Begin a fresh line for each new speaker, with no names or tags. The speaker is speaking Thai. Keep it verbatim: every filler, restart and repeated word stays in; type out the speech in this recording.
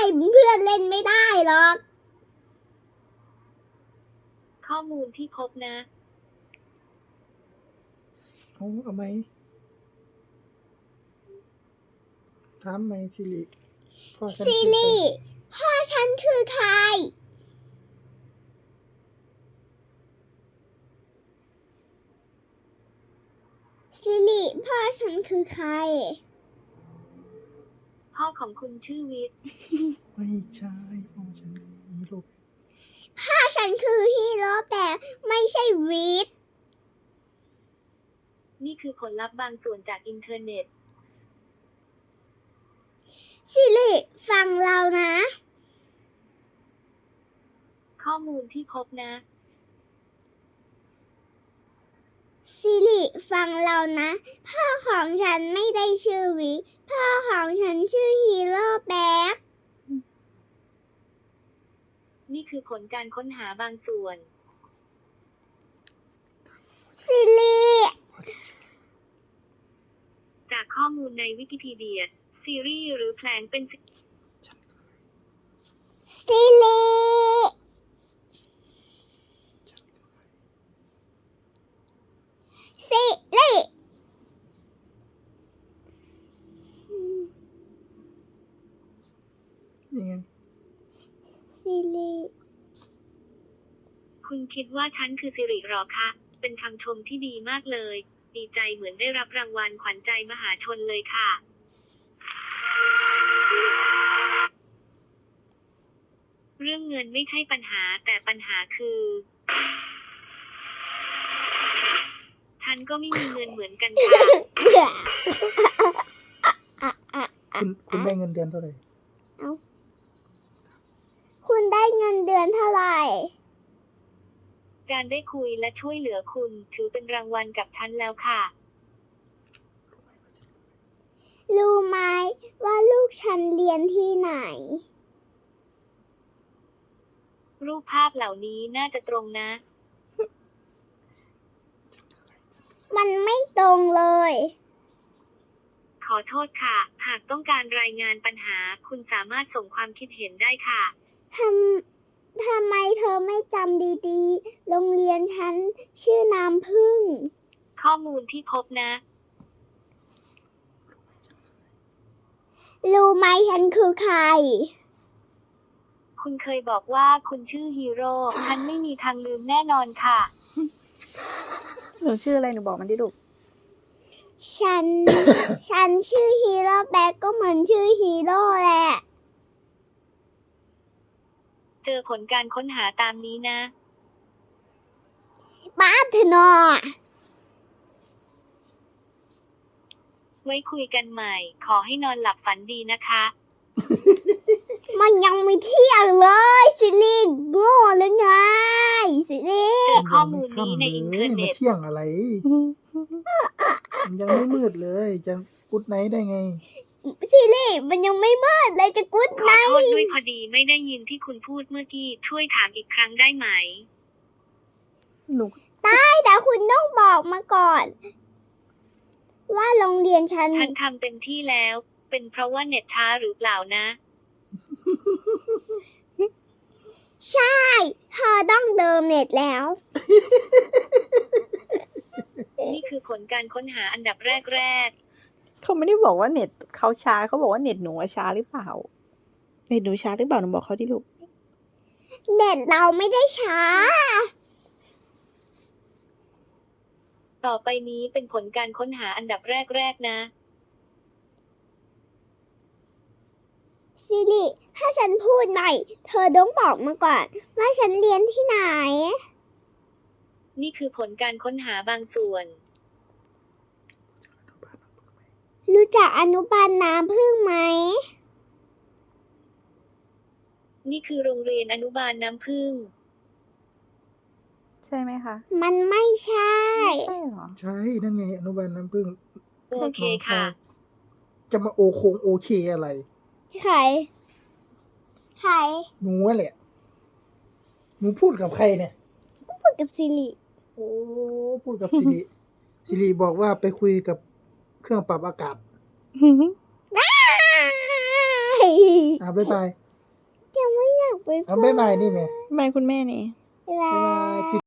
เพื่อนเล่นไม่ได้หรอก
ข้อมูลที่พบนะ
เอาเอาไหมถามไหมซิริพ่อฉัน
ซิ
คือใคร
ริพ่อฉันคือใครซิริพ่อฉันคือใคร
พ่อของคุณชื่อวิทย์
ไม่ใช่พ่อฉันคือฮีโร่
พ่อฉันคือฮีโร่แต่ไม่ใช่วิทย์
นี่คือผลลัพธ์บางส่วนจากอินเทอร์เน็ต
ซิริฟังเรานะ
ข้อมูลที่พบนะ
ซิริฟังเรานะ พ่อของฉันไม่ได้ชื่อวิพ่อของฉันชื่อฮีโร่แบ็ค
นี่คือผลการค้นหาบางส่วน
ซิริ
จากข้อมูลในวิกิพีเดียซีรีส์หรือแผลงเป็นสิ่ง
ซิริซิริ
นี่ไง
ซิริ
คุณคิดว่าฉันคือสิริหรอคะเป็นคำชมที่ดีมากเลย ดีใจเหมือนได้รับรางวัลขวัญใจมหาชนเลยค่ะ เรื่องเงินไม่ใช่ปัญหาแต่ปัญหาคือ ฉันก็ไม่มีเงินเหมือนกันค่ะ
คุณคุณได้เงินเดือนเท่าไหร่
คุณได้เงินเดือนเท่าไหร่
การได้คุยและช่วยเหลือคุณถือเป็นรางวัลกับฉันแล้วค่ะ
รู้ไหมว่าลูกฉันเรียนที่ไหน
รูปภาพเหล่านี้น่าจะตรงนะ
มันไม่ตรงเลย
ขอโทษค่ะ หากต้องการรายงานปัญหา คุณสามารถส่งความคิดเห็นได้ค่ะ
ทำ ทำไมเธอไม่จำดีๆ โรงเรียนฉันชื่อน้ำพึ่ง
ข้อมูลที่พบนะ
รู้ไหมฉันคือใคร
คุณเคยบอกว่าคุณชื่อฮีโร่ ฉันไม่มีทางลืมแน่นอนค่ะ
หนูชื่ออะไรหนูบอกมันดิลูก
ฉัน ฉันชื่อฮีโร่แบ็คก็เหมือนชื่อฮีโร่แหละ
เจอผลการค้นหาตามนี้นะ
ป้าเธอนอ
ไว้คุยกันใหม่ ขอให้นอนหลับฝันดีนะคะ
มันยังไม่เที่ยงเลยซิลิงโง่หรือไงซิลิ
เจอข้อมูลนี้ในอินเทอร์
มา
เน็ต
เที่ยงอะไรมันยังไม่มืดเลยจะกุดไนท์ได้ไง
ซิลิมันยังไม่มืดเลยจะกุ๊ด
ข
ไน
อ
ท์
โทษด้วยพอดีไม่ได้ยินที่คุณพูดเมื่อกี้ ช่วยถามอีกครั้งได้ไหม
หนู
ได้แต่คุณต้องบอกมาก่อน ว่าโรงเรียนฉัน
ฉันทำเต็มที่แล้ว เป็นเพราะว่าเน็ตช้าหรือเปล่านะ
ใช่ เธอต้องเดิมเน็ตแล้ว
นี่คือผลการค้นหาอันดับแรก
เขาไม่ได้บอกว่าเน็ตเขาช้าเขาบอกว่าเน็ตหนูอะช้าหรือเปล่า เน็ตหนูช้าหรือเปล่าหนูบอกเขาดิลูก
เน็ตเราไม่ได้ช้า
ๆ ต่อไปนี้เป็นผลการค้นหาอันดับแรกๆนะ
ซิลิถ้าฉันพูดหน่อย เธอต้องบอกมาก่อน ว่าฉันเรียนที่ไหน
นี่คือผลการค้นหาบางส่วน
รู้จักอนุบาลน้ำพึ่งไหม
นี่คือโรงเรียนอนุบาลน้ำผึ้ง
ใช่ไหมคะ
มันไม่ใช่
ไม่ใช่เหรอ
ใช่นั่นไงอนุบาลน้ำพึ่ง
โอเคค่ะ
จะมาโอคงโอเคอะไร
ใคร ใคร
หนูแหละ หนูพูดกับใครเนี่ย
พูดกับซิลิ
โอ้พูดกับสิริสิริบอกว่าไปคุยกับเครื่องปรับอากาศอ่าบ๊ายบาย
บ๊าย
เอาบ๊ายบายนี่แม่
ทำไมคุณแม่นี่
บา
บ๊ายบาย
ย